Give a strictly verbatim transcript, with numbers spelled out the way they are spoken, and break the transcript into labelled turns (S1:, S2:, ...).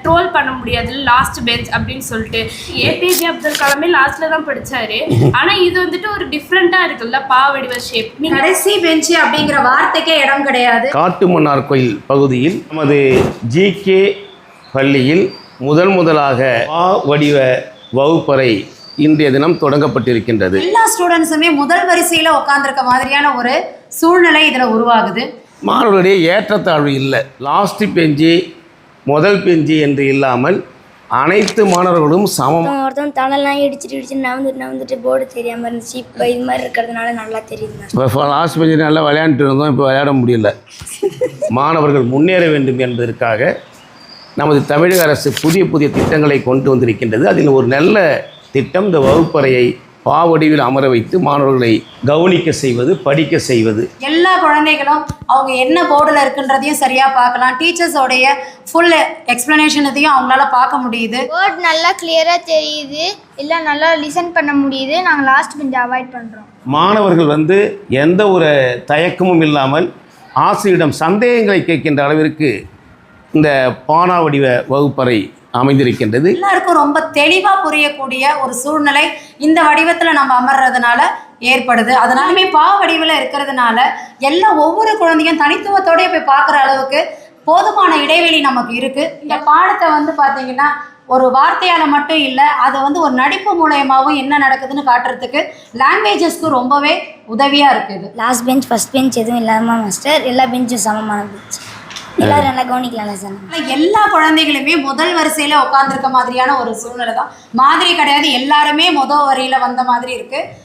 S1: Troll பண்ண முடியாது last bench அப்படின்னு சொல்லிட்டு. ஏபிஜே அப்துல் கலாமே லாஸ்ட்ல தான் படிச்சாரு. ஆனா இது வந்துட்டு ஒரு டிஃப்ரெண்டா இருக்குல்ல பா வடிவ ஷேப்.
S2: கடைசி பெஞ்ச் அப்படிங்கிற வார்த்தைக்கே இடம் கிடையாது.
S3: காட்டுமன்னார் கோயில் பகுதியில் நமது ஜி கே பள்ளியில் முதல் முதலாக பா வடிவ வகுப்பறை இன்றைய தினம் தொடங்கப்பட்டிருக்கின்றது.
S2: எல்லா ஸ்டூடெண்ட்ஸுமே முதல் வரிசையில் உட்காந்துருக்க மாதிரியான ஒரு சூழ்நிலை இதில் உருவாகுது.
S3: மாணவர்களுடைய ஏற்றத்தாழ்வு இல்லை. லாஸ்ட் பெஞ்சு முதல் பெஞ்சு என்று இல்லாமல் அனைத்து மாணவர்களும் சமம்.
S4: ஒருத்தவங்க தலைலாம் இடிச்சிட்டு இடிச்சுட்டு நவந்துட்டு நவந்துட்டு போர்டு தெரியாமல் இருந்துச்சு. இப்போ இது மாதிரி இருக்கிறதுனால நல்லா தெரியுது.
S3: இப்போ லாஸ்ட் பெஞ்சு நல்லா விளையாண்டுட்டு இருந்தோம், இப்போ விளையாட முடியல. மாணவர்கள் முன்னேற வேண்டும் என்பதற்காக நமது தமிழக அரசு புதிய புதிய திட்டங்களை கொண்டு வந்திருக்கின்றது. அதில் ஒரு நல்ல திட்டம் இந்த வகுப்பறையை பாவடிவில் அமர வைத்து மாணவர்களை கவனிக்க செய்வது, படிக்க செய்வது.
S2: எல்லா குழந்தைகளும் அவங்க என்ன போர்டில் இருக்குன்றதையும் சரியாக பார்க்கலாம். டீச்சர்ஸோடைய ஃபுல் எக்ஸ்ப்ளனேஷனத்தையும் அவங்களால பார்க்க முடியுது.
S4: போர்டு நல்லா கிளியராக தெரியுது, இல்லை நல்லா லிசன் பண்ண முடியுது. நாங்கள் லாஸ்ட் பெஞ்சை அவாய்ட் பண்ணுறோம்.
S3: மாணவர்கள் வந்து எந்த ஒரு தயக்கமும் இல்லாமல் ஆசிரியரிடம் சந்தேகங்களை கேட்கின்ற அளவிற்கு இந்த பானா வடிவ வகுப்பறை அமைந்திருக்கின்றது.
S2: எல்லாருக்கும் ரொம்ப தெளிவாக புரியக்கூடிய ஒரு சூழ்நிலை இந்த வடிவத்தில் நம்ம அமர்றதுனால ஏற்படுது. அதனாலுமே பா வடிவில் இருக்கிறதுனால எல்லா ஒவ்வொரு குழந்தையும் தனித்துவத்தோடய போய் பார்க்குற அளவுக்கு போதுமான இடைவெளி நமக்கு இருக்குது. இந்த பாடத்தை வந்து பார்த்திங்கன்னா ஒரு வார்த்தையால் மட்டும் இல்லை, அதை வந்து ஒரு நடிப்பு மூலயமாவும் என்ன நடக்குதுன்னு காட்டுறதுக்கு லாங்குவேஜஸ்க்கு ரொம்பவே உதவியாக இருக்குது.
S4: லாஸ்ட் பெஞ்ச் ஃபஸ்ட் பெஞ்ச் எதுவும் இல்லாமல் மாஸ்டர் எல்லா பெஞ்சும் சமமான பெஞ்ச். எல்லாரும் நல்லா கவனிக்கலாம் சார்.
S2: எல்லா குழந்தைகளுமே முதல் வரிசையில் உட்காந்துருக்க மாதிரியான ஒரு சூழ்நிலை தான். மாதிரி கிடையாது, எல்லாருமே முதல் வரியில் வந்த மாதிரி இருக்குது.